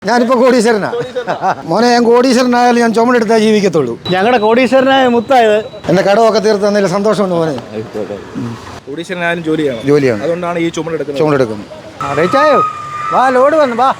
ഞാനിപ്പോ കോടീശ്വരനാ മോനെ. ഞാൻ കോടീശ്വരനായാലും ഞാൻ ചുമടെടുത്താൽ ജീവിക്കത്തുള്ളൂ. ഞങ്ങളുടെ കോടീശ്വരനായ മുത്തായത് എന്റെ കടമൊക്കെ തീർത്ത് തന്നതിൽ സന്തോഷമുണ്ട് മോനെ. കോടീശ്വരനായാലും ജോലിയാണ്. അതുകൊണ്ടാണ് ഈ ചുമടെടുക്കുന്നത്. അറിയിച്ചായോ? വാ, ലോഡ് വന്നു വാ.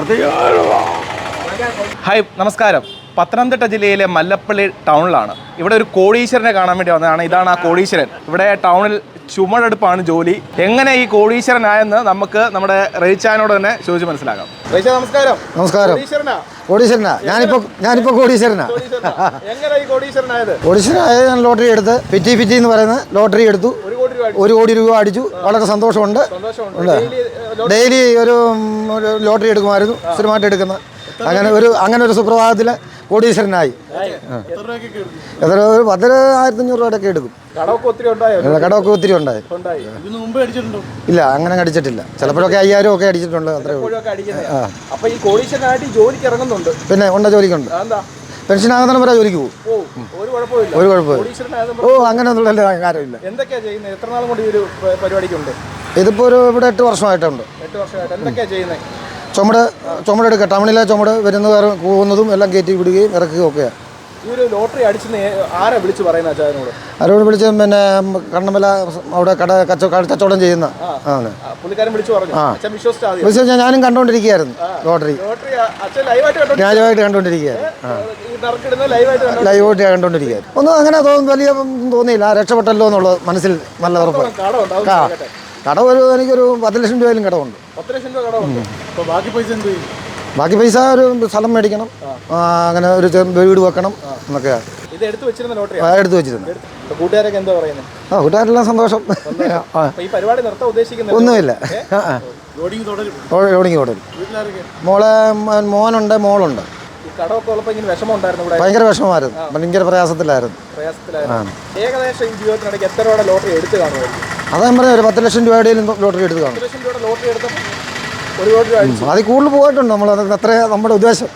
ഹായ്, നമസ്കാരം. പത്തനംതിട്ട ജില്ലയിലെ മല്ലപ്പള്ളി ടൗണിലാണ്. ഇവിടെ ഒരു കോടീശ്വരനെ കാണാൻ വേണ്ടി വന്നതാണ്. ഇതാണ് ആ കോടീശ്വരൻ. ഇവിടെ ടൗണിൽ ചുമടെടുപ്പാണ് ജോലി. എങ്ങനെ ഈ കോടീശ്വരനായെന്ന് നമുക്ക് നമ്മുടെ റേച്ചാനോട് തന്നെ ചോദിച്ച് മനസ്സിലാക്കാം. റേച്ച, നമസ്കാരം. നമസ്കാരം. കോടീശ്വരനാ ഞാനിപ്പോ കോടീശ്വരനാ. കോടീശ്വരനായത് ഞാൻ ലോട്ടറി എടുത്ത് ഫിറ്റി എന്ന് പറയുന്ന ലോട്ടറി എടുത്തു. 1 കോടി രൂപ അടിച്ചു. വളരെ സന്തോഷമുണ്ട്. ഡെയിലി ഒരു ലോട്ടറി എടുക്കുമായിരുന്നു, സ്ഥിരമായിട്ട് എടുക്കുന്ന. അങ്ങനെ ഒരു സുപ്രഭാതത്തില് കോടീശ്വരനായി. എത്ര ഒരു 10,500 രൂപയൊക്കെ എടുക്കും. കടമൊക്കെ ഒത്തിരി ഉണ്ടായി. ഇല്ല, അങ്ങനെ അടിച്ചിട്ടില്ല. ചിലപ്പോഴൊക്കെ 5,000 ഒക്കെ അടിച്ചിട്ടുണ്ട്. പിന്നെ ഉണ്ട്, ജോലിക്കുണ്ട്. പെൻഷൻ ആകുന്ന വരെ ജോലിക്ക് പോകും. ഒരു കുഴപ്പമില്ല. അങ്ങനെ ഒന്നുള്ള കാര്യമില്ല. ഇതിപ്പോ ഇവിടെ 8 വർഷമായിട്ടുണ്ട്. ചുമടെടുക്കുക. ടൗണിലെ ചുമട് വരുന്ന പോകുന്നതും എല്ലാം കയറ്റി വിടുകയും ഇറക്കുകയും ഒക്കെയാണ്. ആരോട് വിളിച്ച് പിന്നെ കണ്ണമല അവിടെ കച്ചവടം ചെയ്യുന്ന ഞാനും കണ്ടോണ്ടിരിക്കുകയായിരുന്നു. ലോട്ടറി രാജമായിട്ട് കണ്ടോണ്ടിരിക്കുകയായിരുന്നു. ലൈവായിട്ട് കണ്ടോണ്ടിരിക്കുകയായിരുന്നു. ഒന്നും അങ്ങനെ വലിയ തോന്നിയില്ല. രക്ഷപ്പെട്ടല്ലോ എന്നുള്ളത് മനസ്സിൽ നല്ല ഉറപ്പ്. കടം എനിക്കൊരു 10 ലക്ഷം രൂപയിലും കടമുണ്ട്. ബാക്കി പൈസ ഒരു സ്ഥലം മേടിക്കണം, അങ്ങനെ ഒരു വീട് വെക്കണം എന്നൊക്കെയാണ് എടുത്തു വെച്ചിരുന്നത്. കൂട്ടുകാരെല്ലാം സന്തോഷം. ഒന്നുമില്ല, ലോഡിങ് തുടരും. മോനുണ്ട്, മോളുണ്ട്. ഭയങ്കര വിഷമമായിരുന്നു, ഭയങ്കര പ്രയാസത്തിലായിരുന്നു. അതാ പറഞ്ഞ ഒരു 10 ലക്ഷം രൂപയുടെയും ലോട്ടറി എടുത്ത് കാണും. അതിൽ കൂടുതൽ പോയിട്ടുണ്ട് നമ്മൾ. അത്ര നമ്മുടെ ഉദ്ദേശം.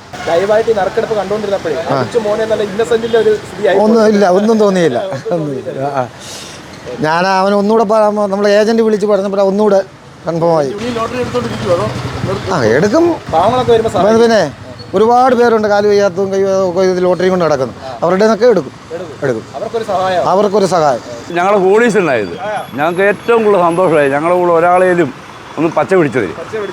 ഒന്നും തോന്നിയില്ല. ഞാൻ അവൻ ഒന്നുകൂടെ നമ്മളെ ഏജന്റ് വിളിച്ച് പറഞ്ഞപ്പോൾ ഒന്നുകൂടെ കൺഫേമായി. എടുക്കും. പിന്നെ ഒരുപാട് പേരുണ്ട് കാല് വയ്യാത്തതും കൈ ലോട്ടറി കൊണ്ട് നടക്കുന്നു. അവരുടെ നിന്നൊക്കെ എടുക്കും. അവർക്കൊരു സഹായം. ഞങ്ങളുടെ കോടീശ്വരനായത് ഞങ്ങൾക്ക് ഏറ്റവും കൂടുതൽ സന്തോഷമായി. ഞങ്ങളുടെ കൂടെ ഒരാളേലും ഒന്ന് പച്ച പിടിച്ചത്.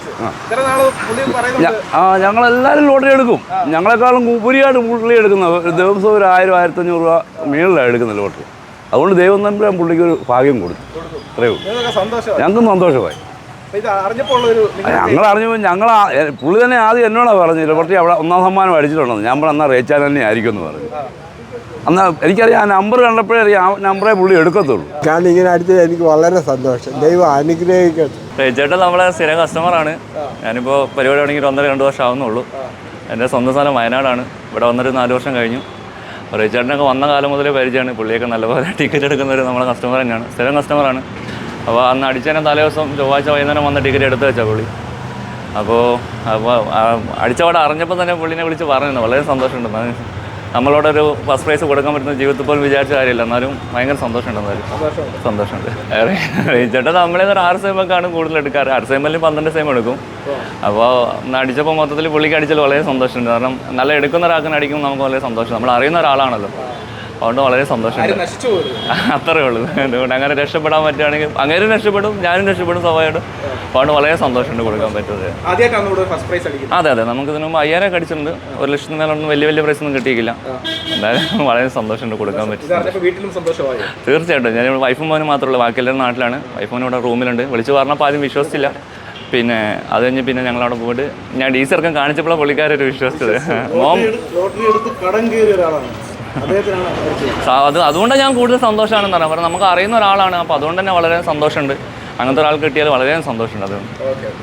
ഞങ്ങളെല്ലാവരും ലോട്ടറി എടുക്കും. ഞങ്ങളെക്കാളും ഉപരിയായിട്ട് പുള്ളി എടുക്കുന്ന ദിവസം ഒരു 1,000-1,500 രൂപ മേളിലാണ് എടുക്കുന്ന ലോട്ടറി. അതുകൊണ്ട് ദൈവം തമ്പുരാൻ പുള്ളിക്ക് ഒരു ഭാഗ്യം കൊടുത്തു. അത്രയേ ഉള്ളൂ. ഞങ്ങൾക്കും സന്തോഷമായി. ഞങ്ങൾ അറിഞ്ഞപ്പോൾ പുള്ളി തന്നെ ആദ്യം എന്നോടാണ് പറഞ്ഞത് ലോട്ടറി അവിടെ 1ാം സമ്മാനം അടിച്ചിട്ടുണ്ടെന്ന്. ഞാൻ പറഞ്ഞ എന്നാൽ റേച്ചാൻ തന്നെ ആയിരിക്കും എന്ന് പറഞ്ഞു. എന്നാൽ എനിക്കറിയാം, ആ നമ്പർ കണ്ടപ്പോഴേ അറിയാം ആ നമ്പറേ പുള്ളി എടുക്കത്തുള്ളൂ. കാരണം ഇങ്ങനെ അടിച്ചത് എനിക്ക് വളരെ സന്തോഷം. ദൈവം അനുഗ്രഹിക്കട്ടെ. ചേട്ടൻ നമ്മളെ സ്ഥിരം കസ്റ്റമറാണ്. ഞാനിപ്പോൾ പരിപാടി തുടങ്ങി 1.5-2 വർഷം ആവുന്നുള്ളൂ. എൻ്റെ സ്വന്തം സ്ഥലം വയനാടാണ്. ഇവിടെ വന്നൊരു 4 വർഷം കഴിഞ്ഞു. ചേട്ടനൊക്കെ വന്ന കാലം മുതലേ പരിചയമാണ്. പുള്ളിയൊക്കെ നല്ലപോലെ ടിക്കറ്റ് എടുക്കുന്നവർ നമ്മളെ കസ്റ്റമർ തന്നെയാണ്, സ്ഥിരം കസ്റ്റമറാണ്. അപ്പോൾ അന്ന് അടിച്ചതിനെ തലേ ദിവസം ചൊവ്വാഴ്ച വൈകുന്നേരം വന്ന് ടിക്കറ്റ് എടുത്ത് വെച്ചാൽ പുള്ളി. അപ്പോൾ അടിച്ചവിടെ അറിഞ്ഞപ്പോൾ തന്നെ പുള്ളിനെ വിളിച്ച് പറഞ്ഞു വളരെ സന്തോഷമുണ്ട്. നമ്മളോടൊരു ഫസ്റ്റ് പ്രൈസ് കൊടുക്കാൻ പറ്റുന്ന ജീവിതത്തിൽ പോലും വിചാരിച്ച കാര്യമില്ല. എന്നാലും ഭയങ്കര സന്തോഷമുണ്ട്. സന്തോഷമുണ്ട്. ചേട്ടാ നമ്മളെ ഒരു 6 സെയിമൊക്കെയാണ് കൂടുതൽ എടുക്കാറ്. 6 സെയിമിൽ 12 സെയിം എടുക്കും. അപ്പോൾ അടിച്ചപ്പോൾ മൊത്തത്തിൽ പുള്ളിക്ക് അടിച്ചാൽ വളരെ സന്തോഷമുണ്ട്. കാരണം നല്ല എടുക്കുന്ന ഒരാൾക്കിന് അടിക്കുമ്പോൾ നമുക്ക് വളരെ സന്തോഷം. നമ്മൾ അറിയുന്ന ഒരാളാണല്ലോ, അതുകൊണ്ട് വളരെ സന്തോഷമുണ്ട്. അത്രയേ ഉള്ളൂ. അതുകൊണ്ട് അങ്ങനെ രക്ഷപ്പെടാൻ പറ്റുകയാണെങ്കിൽ അങ്ങനെ രക്ഷപ്പെടും, ഞാനും രക്ഷപ്പെടും സ്വാഭാവികമായിട്ടും. അതുകൊണ്ട് വളരെ സന്തോഷമുണ്ട് കൊടുക്കാൻ പറ്റുന്നത്. അതെ, നമുക്ക് ഇതിനു മുമ്പ് 5,000 അടിച്ചിട്ടുണ്ട്. 1 ലക്ഷത്തിന് മേലൊന്നും വലിയ പ്രൈസ് ഒന്നും കിട്ടിയില്ല. എന്തായാലും വളരെ സന്തോഷമുണ്ട് കൊടുക്കാൻ പറ്റും. തീർച്ചയായിട്ടും. ഞാൻ വൈഫും മോനും മാത്രമല്ല, ബാക്കി എല്ലാവരും നാട്ടിലാണ്. വൈഫും ഇവിടെ റൂമിലുണ്ട്. വിളിച്ച് പറഞ്ഞപ്പോൾ ആദ്യം വിശ്വസിച്ചില്ല. പിന്നെ അത് കഴിഞ്ഞ് പിന്നെ ഞങ്ങളവിടെ പോയിട്ട് ഞാൻ DC ഇറക്കം കാണിച്ചപ്പോഴാണ് പുള്ളിക്കാരൊരു വിശ്വസിച്ചത്. അതുകൊണ്ടാണ് ഞാൻ കൂടുതൽ സന്തോഷമാണെന്ന് പറയാം. കാരണം നമുക്ക് അറിയുന്ന ഒരാളാണ്. അപ്പോൾ അതുകൊണ്ട് തന്നെ വളരെ സന്തോഷമുണ്ട്. അങ്ങനത്തെ ഒരാൾ കിട്ടിയാൽ വളരെ സന്തോഷമുണ്ട്. അതുകൊണ്ട്